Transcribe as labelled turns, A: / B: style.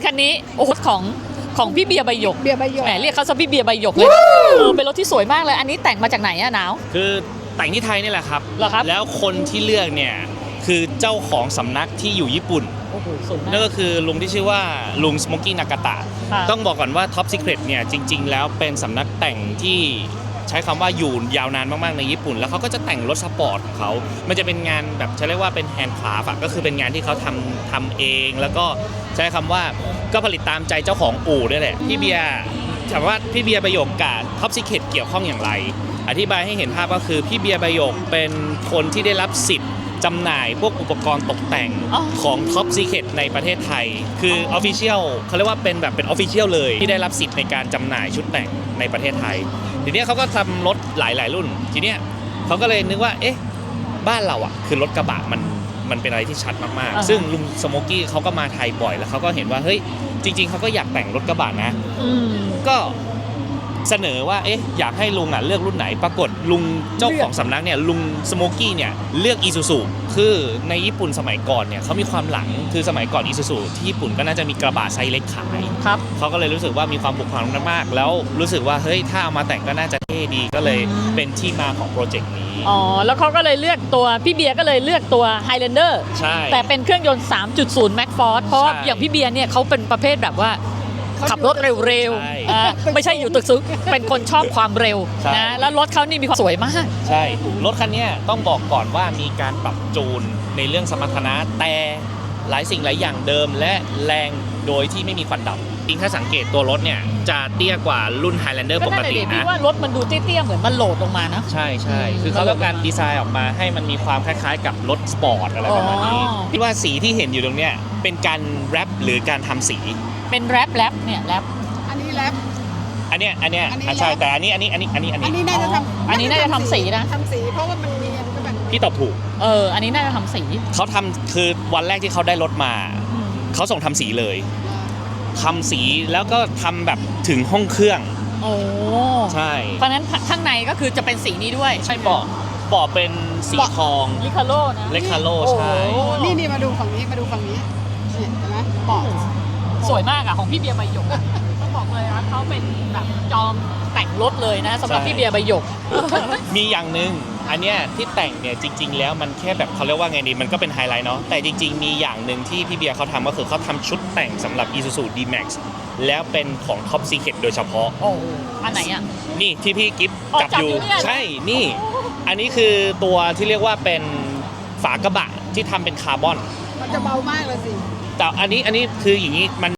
A: คันนี้โอ้โหของพี่เบียร์ใบหยก
B: เบียร์ใบหยก
A: แหมเรียกเขาซะพี่เบียร์ใบหยกเลยเป็นรถที่สวยมากเลยอันนี้แต่งมาจากไหนอะหนาว
C: คือแต่งที่ไทยนี่แหละครับ
A: เหรอครับ
C: แล้วคนที่เลือกเนี่ยคือเจ้าของสำนักที่อยู่ญี่ปุ่น
A: โอ้โหสวยมาก
C: นั่นก็คือลุงที่ชื่อว่าลุงสโมกี้นากาตะ
A: ค่ะ
C: ต้องบอกก่อนว่า Top Secret เนี่ยจริงๆแล้วเป็นสำนักแต่งที่ใช้คำว่าอยู่ยาวนานมากๆในญี่ปุ่น แล้วเขาก็จะแต่งรถสปอร์ตของเขา มันจะเป็นงานแบบใช้เรียกว่าเป็นแฮนด์คราฟต์ก็คือเป็นงานที่เขาทำเอง แล้วก็ใช้คำว่าก็ผลิตตามใจเจ้าของอู่ด้วยแหละพี่เบียร์ถามว่าพี่เบียร์ประโยคกับ Top Secret เกี่ยวข้องอย่างไร อธิบายให้เห็นภาพก็คือพี่เบียร์ประโยคเป็นคนที่ได้รับสิทธิ์จำหน่ายพวกอุปกรณ์ตกแต่ง
A: อ๋อ
C: ของ Top Secret ในประเทศไทย คือ Official เขาเรียกว่าเป็นแบบเป็น Official เลยที่ได้รับสิทธิ์ในการจำหน่ายชุดแต่งในประเทศไทย ทีเนี้ยเขาก็ทำรถหลายรุ่น ทีเนี้ยเขาก็เลยนึกว่าเอ๊ะบ้านเราอ่ะคือรถกระบะมันเป็นอะไรที่ชัดมากๆซึ่งลุงสโมกี้เขาก็มาไทยบ่อยแล้วเขาก็เห็นว่าเฮ้ยจริงๆเขาก็อยากแต่งรถกระบะนะ
A: อืม
C: ก็เสนอว่าเอ๊ะอยากให้ลุงอ่ะเลือกรุ่นไหนปรากฏลุงเจ้าของสำนักเนี่ยลุงสโมกี้เนี่ยเลือกอีซูซูคือในญี่ปุ่นสมัยก่อนเนี่ยเขามีความหลังคือสมัยก่อนอีซูซูที่ญี่ปุ่นก็น่าจะมีกระบะไซส์เล็กขาย
A: ครับ
C: เขาก็เลยรู้สึกว่ามีความผูกพันมากๆแล้วรู้สึกว่าเฮ้ยถ้าเอามาแต่งก็น่าจะเท่ดีก็เลยเป็นที่มาของโปรเจกต์นี้
A: อ๋อแล้วเขาก็เลยเลือกตัวพี่เบียร์ก็เลยเลือกตัว Highlander
C: ใช่
A: แต่เป็นเครื่องยนต์ 3.0 Max Force เพราะว่า
C: ใช่
A: อย่างพี่เบียร์เนี่ยเขาเป็นประเภทแบบว่าขับรถเร็ว
C: ใช่
A: ๆไม่ใช่อยู่ตึกสูงเป็นคนชอบความเร็ว
C: ใช่
A: นะแล้วรถเขานี่มีความสวยมาก
C: ใช่รถคันเนี้ยต้องบอกก่อนว่ามีการปรับจูนในเรื่องสมรรถนะแต่หลายสิ่งหลายอย่างเดิมและแรงโดยที่ไม่มีควันดำจริงถ้าสังเกตตัวรถเนี่ยจะเตี้ยกว่ารุ่น Highlander ปกติ
A: พี่
C: นะ
A: ว่ารถมันดูเตี้ยๆเหมือนมันโหลดลงมานะ
C: ใช่ใช่คือเขาต้องการดีไซน์ออกมาให้มันมีความคล้ายๆ กับรถสปอร์ตอะไรประมาณนี้
A: อ๋อ
C: คิดว่าสีที่เห็นอยู่ตรงเนี้ยเป็นการแรปหรือการทำสี
A: เป็นแรปเนี่ยแรป
B: อันนี้แรป
C: อันเนี้ย
B: อันนี้
C: ใช่
B: แรป
C: แต่อันนี้
B: อันนี้น่าจะทำ
A: อันนี้น่าจะทำสีนะ
B: ทำสีเพราะว่ามันมีอันก็แบบ
C: พี่ตอบถูก
A: อันนี้น่าจะทำสี
C: เขาทำคือวันแรกที่เขาได้รถมา
A: อืม
C: เขาส่งทำสีเลยทำสีแล้วก็ทำแบบถึงห้องเครื่อง
A: โอ้
C: ใช่
A: เพราะฉะนั้นข้างในก็คือจะเป็นสีนี้ด้วย
C: ใช่เบาะเป็นสีทอง
A: ลิคาโลนะ
C: เลคาโลใช่
A: โอ้โห
B: นี่มาดูฝั่งนี้มาดูฝั่งนี้เนี่ยเห็นไหมเบาะ
A: สวยมากอะของพี่เบียร์ใบหยกอะต้องบอกเลยว่าเขาเป็นแบบจอมแต่งรถเลยนะสำหรับพี่เบียร์ใบหยก
C: มีอย่างหนึ่งอันเนี้ยที่แต่งเนี่ยจริง ๆ แล้วมันแค่แบบเขาเรียกว่าไงดีมันก็เป็นไฮไลท์เนาะแต่จริง ๆ มีอย่างหนึ่งที่พี่เบียร์เขาทำก็คือเขาทำชุดแต่งสำหรับ Isuzu D-Max แล้วเป็นของ Top Secret โดยเฉพาะ
A: โอ้อันไหนอะ
C: นี่ที่พี่กิฟต์
A: อ๋อ
C: จับ
A: จับ
C: อยู่
A: อยู่เนี่ยนะ
C: ใช่นี่ อันนี้คือตัวที่เรียกว่าเป็นฝากระบะที่ทำเป็นคาร์บอน
B: มันจะเบามากเลยสิ
C: แต่อันนี้คืออย่างนี้มัน